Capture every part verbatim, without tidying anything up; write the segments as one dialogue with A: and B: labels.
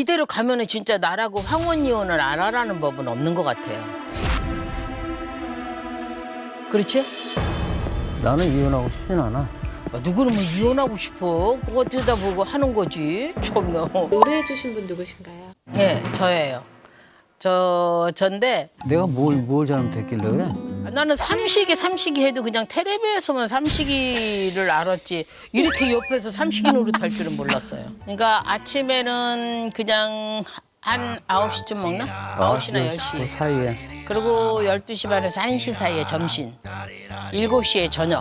A: 이대로 가면은 진짜 나라고 황혼 이혼을 안 하라는 법은 없는 것 같아요. 그렇지?
B: 나는 이혼하고 싶진 않아.
A: 아, 누구는 뭐 이혼하고 싶어? 그거 들여다보고 하는 거지. 참나.
C: 의뢰해주신 분 누구신가요?
A: 네, 저예요. 저 전데
B: 내가 뭘, 뭘 잘못했길래 그래?
A: 나는 삼식이 삼식이 해도 그냥 텔레비에서만 삼식이를 알았지 이렇게 옆에서 삼식이 노릇할 줄은 몰랐어요. 그러니까 아침에는 그냥 한 아홉 시쯤 먹나? 아홉 시나 열 시.
B: 그 사이에.
A: 그리고 열두 시 반에서 한 시 사이에 점심. 일곱 시에 저녁.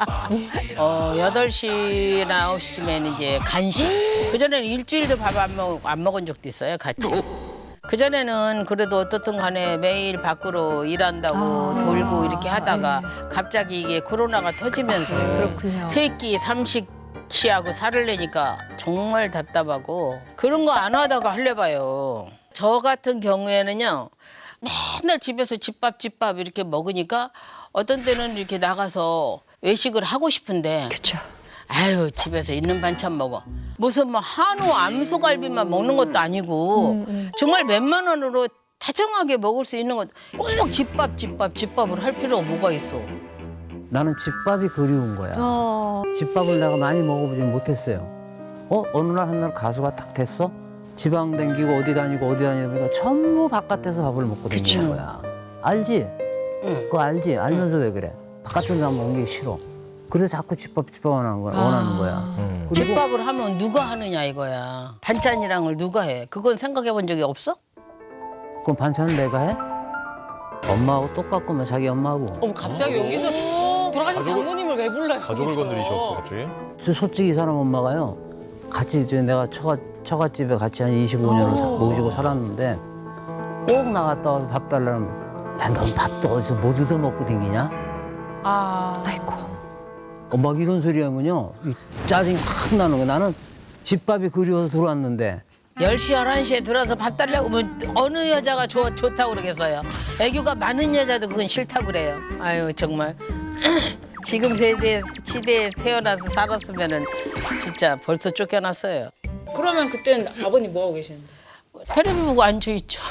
A: 어, 여덟 시나 아홉 시쯤에는 이제 간식. 그전에는 일주일도 밥 안 먹, 안 먹은 적도 있어요, 같이. 그전에는 그래도 어떻든 간에 매일 밖으로 일한다고 돌고 이렇게 하다가 갑자기 이게 코로나가 터지면서
C: 그렇군요.
A: 세끼 삼식 시하고 살을 내니까 정말 답답하고 그런 거 안 하다가 할래봐요. 저 같은 경우에는요. 맨날 집에서 집밥 집밥 이렇게 먹으니까 어떤 때는 이렇게 나가서 외식을 하고 싶은데
C: 그렇죠.
A: 아유 집에서 있는 반찬 먹어. 무슨 뭐 한우 암소갈비만 먹는 것도 아니고
C: 음, 음.
A: 정말 몇만 원으로 다정하게 먹을 수 있는 것 꼭 집밥 집밥 집밥을 할 필요가 뭐가 있어.
B: 나는 집밥이 그리운 거야.
C: 어.
B: 집밥을 내가 많이 먹어보진 못했어요. 어? 어느 날 한 날 가수가 딱 됐어? 지방 댕기고 어디 다니고 어디 다니니까 전부 바깥에서 밥을 먹고 다니는 거야. 알지?
A: 응.
B: 그거 알지? 알면서 왜 그래? 바깥으로 나먹는 게 싫어. 그래서 자꾸 집밥 집밥 원하는 거야.
A: 아.
B: 원하는 거야. 그리고
A: 집밥을 하면 누가 하느냐 이거야. 반찬이랑을 누가 해? 그건 생각해 본 적이 없어?
B: 그럼 반찬을 내가 해? 엄마하고 똑같구만 자기 엄마하고.
D: 어머 갑자기 여기서 돌아가신
E: 가족을-
D: 장모님을 왜 불러요?
E: 가족을
D: 여기서?
E: 건드리셨어 갑자기?
B: 저 솔직히 이 사람 엄마가요. 같이 이제 내가 처가 처갓집에 같이 한 이십오 년을 사- 모시고 살았는데 꼭 나갔다 와서 밥 달라면 야, 넌 밥도 어디서 못 얻어 먹고 댕기냐?
D: 아,
C: 아이고.
B: 엄마가 이런 소리 하면요. 이 짜증이 확 나는 거야. 나는 집밥이 그리워서 들어왔는데
A: 열 시, 열한 시에 들어와서 밥 달라고 하면 어느 여자가 좋, 좋다고 그러겠어요. 애교가 많은 여자도 그건 싫다고 그래요. 아유 정말 지금 세대 시대에 태어나서 살았으면은 진짜 벌써 쫓겨났어요.
D: 그러면 그땐 아버님 뭐 하고 계시는데?
A: 텔레비 보고 앉아있죠.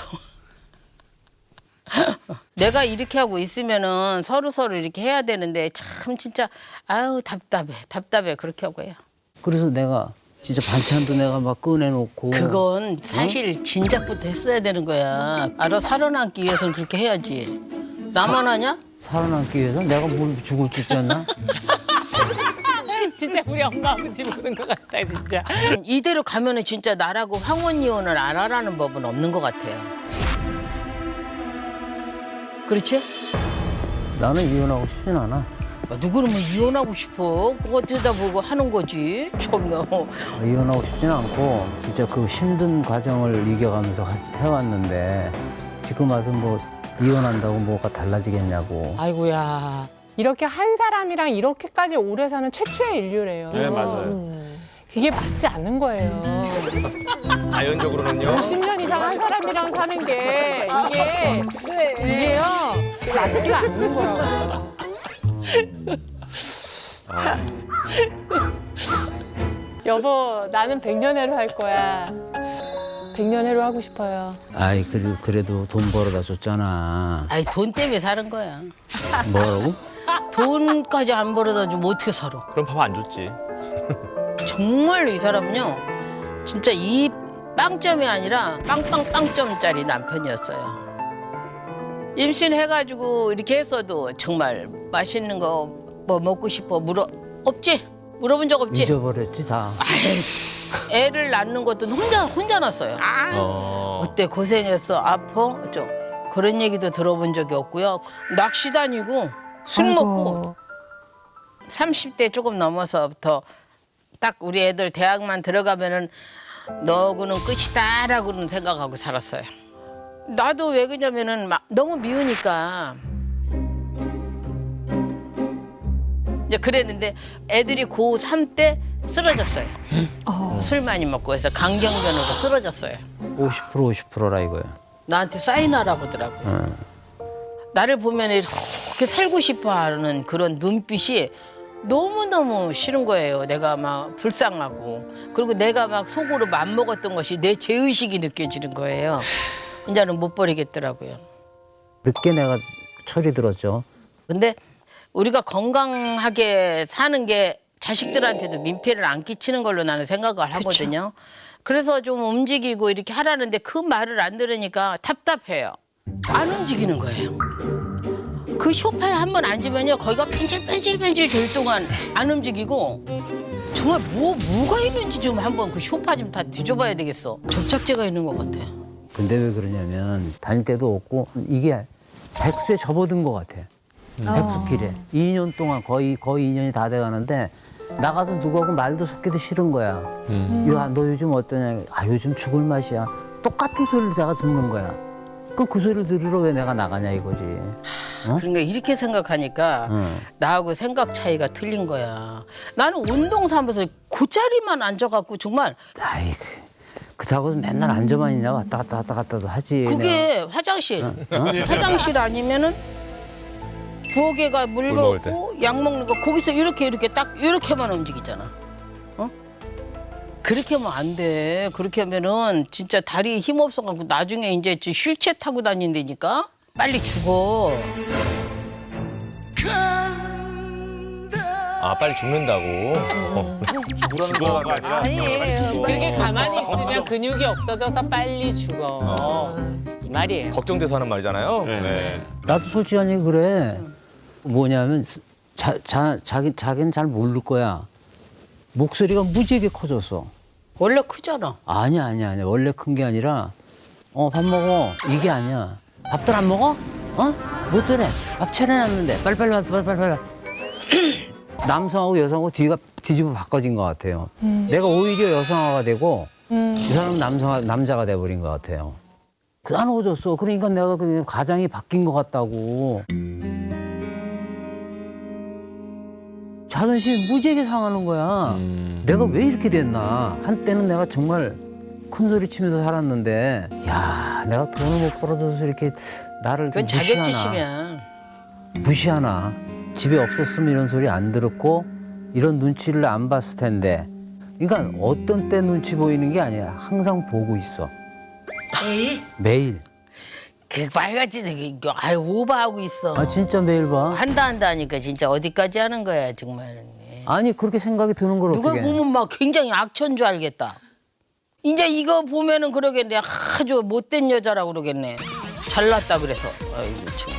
A: 내가 이렇게 하고 있으면은 서로 서로 이렇게 해야 되는데 참 진짜 아유 답답해 답답해 그렇게 하고 해요.
B: 그래서 내가 진짜 반찬도 내가 막 꺼내놓고
A: 그건 사실 진작부터 했어야 되는 거야. 알아 살아남기 위해서는 그렇게 해야지. 나만 하냐?
B: 살아남기 위해서 내가 뭘 죽을 줄 알았나?
D: 진짜 우리 엄마 아버지 보는 것 같다 진짜.
A: 이대로 가면은 진짜 나라고 황혼 이혼을 안 하라는 법은 없는 것 같아요. 그렇지?
B: 나는 이혼하고 싶진 않아.
A: 아, 누구는 뭐 이혼하고 싶어? 그거 들여다보고 하는 거지. 참나.
B: 이혼하고 싶진 않고 진짜 그 힘든 과정을 이겨가면서 하- 해왔는데 지금 와서 뭐 이혼한다고 뭐가 달라지겠냐고.
D: 아이고야.
F: 이렇게 한 사람이랑 이렇게까지 오래 사는 최초의 인류래요.
E: 네 맞아요.
D: 음.
F: 이게 맞지 않는 거예요.
E: 자연적으로는요.
F: 십 년 이상 한 사람이랑 사는 게 이게 이게요 맞지가 않는 거라고. 여보 나는 백년해로 할 거야. 백년해로 하고 싶어요.
B: 아이 그래도 그래도 돈 벌어다 줬잖아.
A: 아이 돈 때문에 사는 거야.
B: 뭐라고?
A: 돈까지 안 벌어다 주면 어떻게 살아?
E: 그럼 밥 안 줬지.
A: 정말로 이 사람은요. 진짜 이 빵점이 아니라 빵빵빵점짜리 남편이었어요. 임신해가지고 이렇게 했어도 정말 맛있는 거 뭐 먹고 싶어 물어 없지? 물어본 적 없지?
B: 잊어버렸지 다.
A: 애를 낳는 것도 혼자 혼자 낳았어요.
E: 어.
A: 어때 고생했어 아파? 어쩌 그런 얘기도 들어본 적이 없고요. 낚시 다니고 술
C: 아이고.
A: 먹고 삼십 대 조금 넘어서부터 딱 우리 애들 대학만 들어가면은 너구는 끝이다라고는 생각하고 살았어요. 나도 왜 그러냐면은 막 너무 미우니까 이제 그랬는데 애들이 고삼 때 쓰러졌어요. 술 많이 먹고 해서 강경변으로 쓰러졌어요.
B: 오십 퍼센트 오십 퍼센트라 이거야.
A: 나한테 사인하라고 하더라고.
B: 응.
A: 나를 보면 이렇게 살고 싶어 하는 그런 눈빛이 너무너무 싫은 거예요. 내가 막 불쌍하고. 그리고 내가 막 속으로 맘먹었던 것이 내 죄의식이 느껴지는 거예요. 이제는 못 버리겠더라고요.
B: 늦게 내가 철이 들었죠.
A: 근데 우리가 건강하게 사는 게 자식들한테도 민폐를 안 끼치는 걸로 나는 생각을 하거든요. 그래서 좀 움직이고 이렇게 하라는데 그 말을 안 들으니까 답답해요. 안 움직이는 거예요. 그 소파에 한 번 앉으면요, 거기가 펜질펜질펜질 될 동안 안 움직이고 정말 뭐 뭐가 있는지 좀 한번 그 소파 좀 다 뒤져봐야 되겠어. 접착제가 있는 것 같아요.
B: 근데 왜 그러냐면 다닐 때도 없고 이게 백수에 접어든 것 같아. 백수길에. 이 년 동안 거의 거의 이 년이 다 돼가는데 나가서 누구하고 말도 섞기도 싫은 거야. 야, 너 요즘 어떠냐? 아, 요즘 죽을 맛이야. 똑같은 소리를 내가 듣는 거야. 그럼 그 소리를 들으러 왜 내가 나가냐 이거지. 어?
A: 그러니까 이렇게 생각하니까
B: 응.
A: 나하고 생각 차이가 틀린 거야. 나는 운동 삼아서 그 자리만 앉아갖고 정말
B: 아이, 그렇다고 맨날 앉아만 있냐 왔다 갔다 왔다 갔다도 하지.
A: 그게 화장실, 화장실 아니면은 부엌에가 물
E: 물 먹을
A: 먹고 약 먹는 거 거기서 이렇게 이렇게 딱 이렇게만 움직이잖아. 어? 그렇게 하면 안 돼. 그렇게 하면은 진짜 다리에 힘 없어갖고 나중에 이제 저 휠체어 타고 다닌다니까 빨리 죽어.
E: 아 빨리 죽는다고. 어. 죽으라는 거 아니라.
F: 아니에요.
D: 그게 가만히 있으면 근육이 없어져서 빨리 죽어. 이 말이에요.
E: 걱정돼서 하는 말이잖아요. 네.
B: 나도 솔직하니 그래. 뭐냐면 자, 자, 자기 자기는 잘 모를 거야. 목소리가 무지하게 커졌어.
A: 원래 크잖아.
B: 아니야 아니야 아니야. 원래 큰 게 아니라 어 밥 먹어 이게 아니야. 밥들 안 먹어? 어? 못 되네. 밥 차려놨는데 빨리빨리 빨리 빨리 빨리 빨리. 남성하고 여성하고 뒤가 뒤집어 바꿔진 것 같아요. 음. 내가 오히려 여성화가 되고 음. 이 사람은 남성 남자가 돼버린 것 같아요. 까놓아졌어. 그러니까 내가 그냥 가장이 바뀐 것 같다고. 자존심이 무지하게 상하는 거야.
E: 음.
B: 내가 왜 이렇게 됐나. 한때는 내가 정말 큰 소리 치면서 살았는데 야 내가 돈을 못 벌어줘서 이렇게 나를
A: 그건
B: 무시하나.
A: 자격지심이야.
B: 무시하나. 집에 없었으면 이런 소리 안 들었고 이런 눈치를 안 봤을 텐데. 그러니까 어떤 때 눈치 보이는 게 아니야. 항상 보고 있어.
A: 매일?
B: 매일.
A: 그 빨갛지 되게 아유 오버하고 있어.
B: 아 진짜 매일 봐.
A: 한다 한다 하니까 진짜 어디까지 하는 거야 정말.
B: 아니 그렇게 생각이 드는 걸
A: 누가
B: 어떻게.
A: 보면 막 굉장히 악천 줄 알겠다. 이제 이거 보면은 그러겠네. 아주 못된 여자라고 그러겠네. 잘났다 그래서. 아이고 참.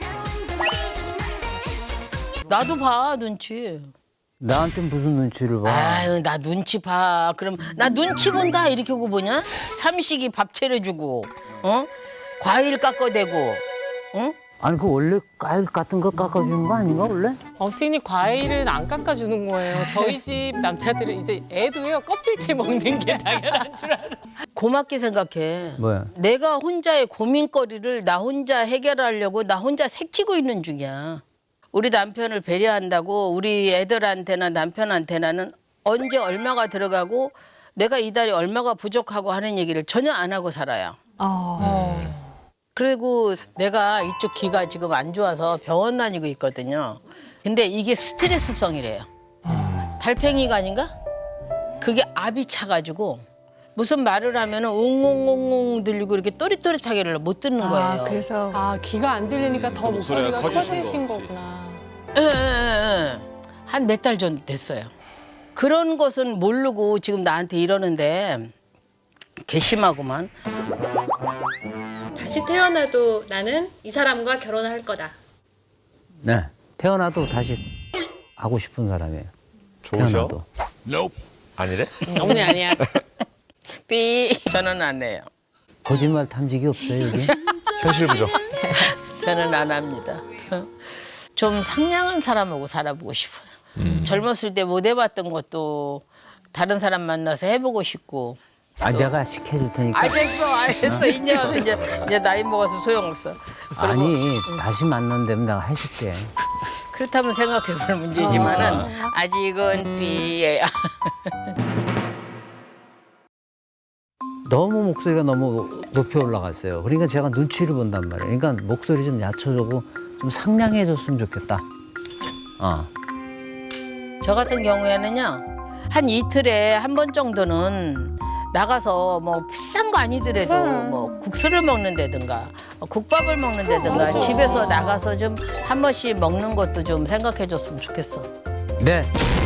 A: 나도 봐 눈치.
B: 나한테 무슨 눈치를 봐.
A: 아유 나 눈치 봐. 그럼 나 눈치 본다 이렇게 하고 보냐? 삼식이 밥 차려주고, 어? 과일 깎아대고, 응?
B: 아니 그 원래 과일 같은 거 깎아주는 거 아닌가 원래?
D: 어, 선생님 과일은 안 깎아주는 거예요. 저희 집 남자들은 이제 애도요 껍질째 먹는 게 당연한 줄 알아.
A: 고맙게 생각해.
B: 뭐야?
A: 내가 혼자의 고민거리를 나 혼자 해결하려고 나 혼자 새키고 있는 중이야. 우리 남편을 배려한다고 우리 애들한테나 남편한테나는 언제 얼마가 들어가고 내가 이달에 얼마가 부족하고 하는 얘기를 전혀 안 하고 살아요.
F: 어.
A: 그리고 내가 이쪽 귀가 지금 안 좋아서 병원 다니고 있거든요. 근데 이게 스트레스성이래요. 달팽이가 아닌가? 그게 압이 차가지고 무슨 말을 하면 옹옹옹옹 들리고 이렇게 또릿또릿하게를 못 듣는 거예요.
F: 아, 그래서 아 귀가 안 들리니까 더 목소리가 커지신 거구나.
A: 한 몇 달 전 됐어요. 그런 것은 모르고 지금 나한테 이러는데 괘씸하구만.
C: 다시 태어나도 나는 이 사람과 결혼할 거다.
B: 네. 태어나도 다시 하고 싶은 사람이에요.
E: 좋으셔?
B: 태어나도.
E: 아니래?
D: 어머니 아니야.
A: 삐 저는 안 해요.
B: 거짓말 탐지기 없어요 여기?
E: 현실 부정.
A: 저는 안 합니다. 좀 상냥한 사람하고 살아보고 싶어요. 음. 젊었을 때 못 해봤던 것도 다른 사람 만나서 해보고 싶고.
B: 아 내가 시켜줄 테니까.
A: 알겠어, 알겠어. 이제 와서 이제, 이제 나이 먹어서 소용없어.
B: 아니 다시 만난다면 내가 해줄게.
A: 그렇다면 생각해볼 문제지만은 아직은 삐예요.
B: 너무 목소리가 너무 높이 올라갔어요. 그러니까 제가 눈치를 본단 말이에요. 그러니까 목소리 좀 낮춰주고 좀 상냥해졌으면 좋겠다. 어.
A: 저 같은 경우에는요, 한 이틀에 한 번 정도는 나가서 뭐 비싼 거 아니더라도 뭐 국수를 먹는다든가 국밥을 먹는다든가 집에서 나가서 좀 한 번씩 먹는 것도 좀 생각해 줬으면 좋겠어.
B: 네.